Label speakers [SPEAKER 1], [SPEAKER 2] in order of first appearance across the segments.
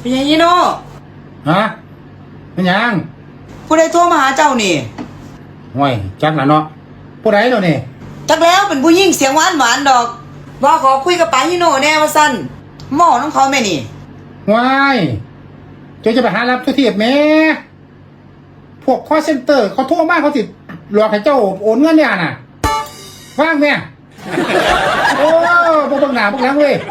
[SPEAKER 1] เป็นยังยี่โน่
[SPEAKER 2] ฮะเป็นยัง
[SPEAKER 1] ผู้ใดโทรมาหาเจ้านี่
[SPEAKER 2] ห่วยจักละเนาะผู้ใดเนาะนี่
[SPEAKER 1] จักแล้วเป็นผู้หญิงเสียงหวานดอกว่าขอคุยกับป้ายี่โน่แน่ว่าสั้นหม้อน้องเขาแม่นี่
[SPEAKER 2] ห่วยเจ้าจะไปหารับทุกทีบแม่พวกคอลเซ็นเตอร์เขาโทรมาเขาติดหลอกให้เจ้าโอนเงินเนี่ยน่ะว่างแม่โอ้พวกบังหนาพวกนั้นเว้ย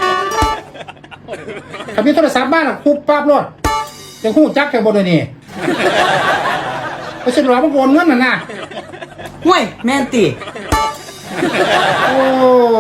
[SPEAKER 2] ถ้ามีโทรศัพท์บ้านอ่ะคุบปั๊บรถจะหูจักแค่บนเลยนี่ไปเสร็จหลอกมันโอนเงินน่ะนะ
[SPEAKER 1] ห่วยแม่นติ
[SPEAKER 2] โอ้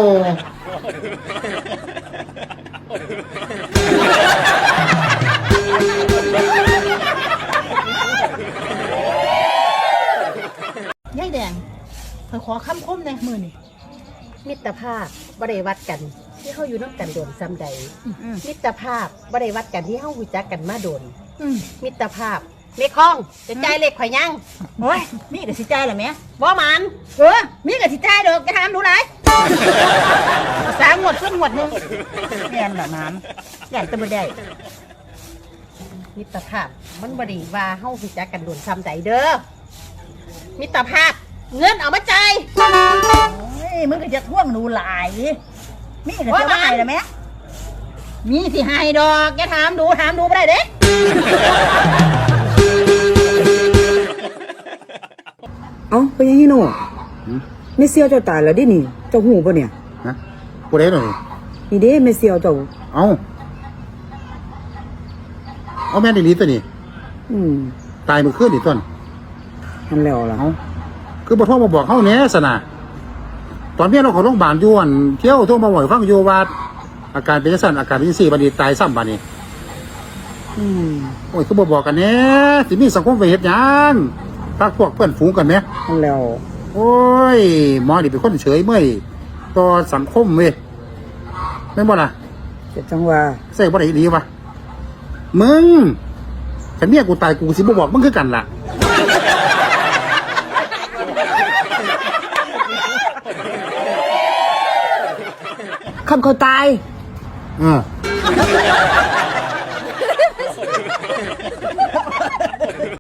[SPEAKER 3] ยายแดงเพิ่นขอคำคมในมือนี่
[SPEAKER 4] มิตรภาพบ่ได้วัดกันที่เฮาอยู่นำกันโดนซ้ำใดมิตรภาพบ่ได้วัดกันที่เฮารู้จักกันมาโดนมิตรภาภาพเมฆองจะจ่ายเลขข่อยยัง
[SPEAKER 3] โอ้ยมีก็สิจ่ายล่ะแม่
[SPEAKER 4] บ่มัน
[SPEAKER 3] มีก็สิจ่ายดอกจะถามดูหลาย3งวดขึ้นงวดนึงแม่นล่ะน้ำย่านตะบ่ได้
[SPEAKER 4] มิตรภาพมันบ่ได้ว่าเฮารู้จักกันโดนซ้ำใดเด้อมิตรภาพเงินเอามาจ่าย
[SPEAKER 3] โอ้ยมึงก็จะท่วงหนูหลายมีก็สิว่าให้ล่ะแม่มีสิให้ดอกอย่าถามดูบ่ได้เด้
[SPEAKER 1] เอ้าเป็นยังยี่โน่เมเซียวเจ้าตายแล้วดินี่เจ้าหูป่ะเนี่ย
[SPEAKER 2] ฮะผู้ใดเนาะ
[SPEAKER 1] นี่เด้เมเซียวเจ้า
[SPEAKER 2] เอาแม่นอีหลีตัวนี้ตายเมื่อคืนนี่ต้น
[SPEAKER 1] นั่นแล้วล่ะ
[SPEAKER 2] เอาคือบ่โทรมาบอกเฮาแหน่ซะนะตอนเมียเราเข้าโรงพยาบาลอยู่อั่นเที่ยวโทรมาบ่อยฟังอยู่ว่าอาการเป็นจังซั่นอาการเป็นจังซี่บัดนี้ตายซ้ำบัดนี้โอ้ยคือบ่บอกกันแหน่สิมีสังคมไว้เฮ็ดหยังพาพวกเพื่อนฝูงกันแหม
[SPEAKER 1] นั่นแล้ว
[SPEAKER 2] โอ้ยหมอนี่เป็นคนเฉยเมื่อยต่อสังคมเว้ยแม่นบ่ล่ะ
[SPEAKER 1] จะจังว่า
[SPEAKER 2] ใส่บ่ได้ดีวะมึงฉันเมียกูตายกูสิบ่บอกมึงคือกันล่ะ
[SPEAKER 1] คำเขาตาย